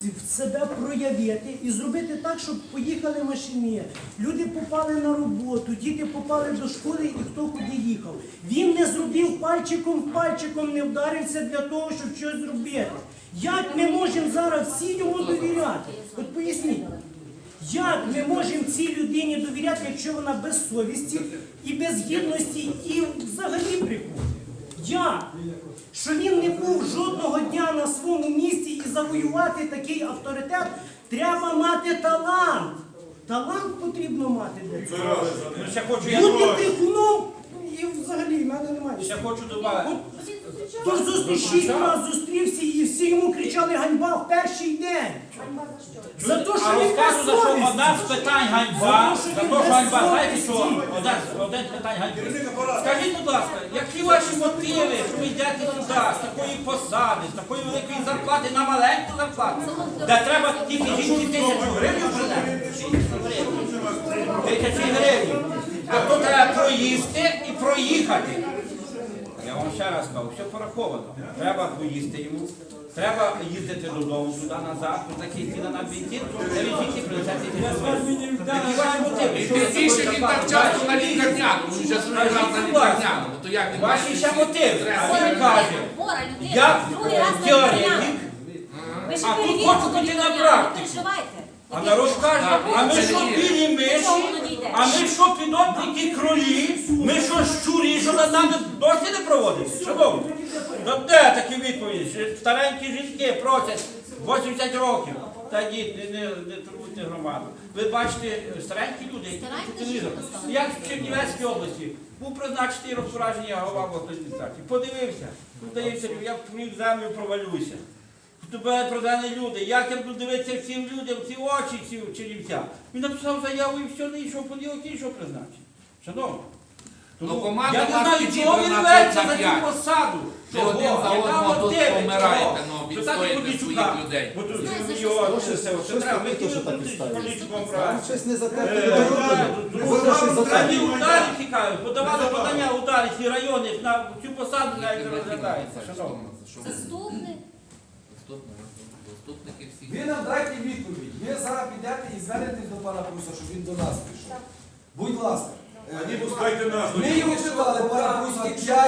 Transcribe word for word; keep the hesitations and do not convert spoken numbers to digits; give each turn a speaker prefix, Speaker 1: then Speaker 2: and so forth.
Speaker 1: себе проявити і зробити так, щоб поїхали машини. Люди попали на роботу, діти попали до школи і хто куди їхав. Він не зробив пальчиком в пальчиком, не вдарився для того, щоб щось зробити. Як ми можемо зараз всі йому довіряти? От поясніть. Як ми можемо цій людині довіряти, якщо вона без совісті і без гідності і взагалі брехун? Як? Що він не був жодного дня на своєму місці і завоювати такий авторитет, треба мати талант. Талант потрібно мати для цього. Бути брехуном і взагалі в мене немає.
Speaker 2: Я хочу додати.
Speaker 1: Тож шість разів зустрівся і всі йому кричали ганьба в перший день. За те, що він без совісті.
Speaker 2: Одне з питань ганьба, за те, що ганьба, знаєте що? Одне з питань ганьба. Скажіть, будь ласка, які ваші мотиви, що ви йдете туди, з такої посади, з такої великої зарплати на маленьку зарплату, де треба тільки жінки тисячу гривень принести? Тисячі гривень. А то треба проїсти і проїхати. Я вам ще раз кажу, все пораховано. Треба поїсти йому, треба їздити додому, туди, назад, тут такий ціна на бензин, де він жінки принесете гривень. Які ваші мотиви?
Speaker 3: Більше він так часто на лікарняну, він вже зробив на лікарняну.
Speaker 2: Ваші ще мотиви. А він каже, я теоретик, а тут хочу піти на практику. А народ каже, а ми що білі миші, а ми що підопники кролі, ми що щурі, що над нами досі не проводиться? Шановні, ну де такі відповіді? Старенькі жінки просять вісімдесят років. Та дід, не, не, не турбуйте громаду. Ви бачите, старенькі люди, які по телевізору. Як в Чернівецькій області був призначений розпорядження голова обласної адміністрації. Подивився, здається, я в землю провалюся. Тебе продали люди, як я буду дивитися всім людям, в ці очі, ці черівця. Він написав заяву і все, не йшов понеділок, і йшов призначення. Шановні, тому я не знаю, чого ви рветься за цю посаду.
Speaker 3: Ви один за одного тут помираєте, ну, відстоїте своїх людей.
Speaker 2: Бо тут його, це треба, ми хотіли політиком брати.
Speaker 4: Щось не за те.
Speaker 2: Раді ударів цікаві, подавали подання ударів і райони на цю посаду, навіть розглядається. Шановні.
Speaker 5: Заступник.
Speaker 4: Ви нам дайте відповідь. Ви зараз підете і звернетесь до пана Пруса, щоб він до нас прийшов. Будь ласка.
Speaker 6: Они пускайте нас.
Speaker 4: Ми його питали, пане Прус,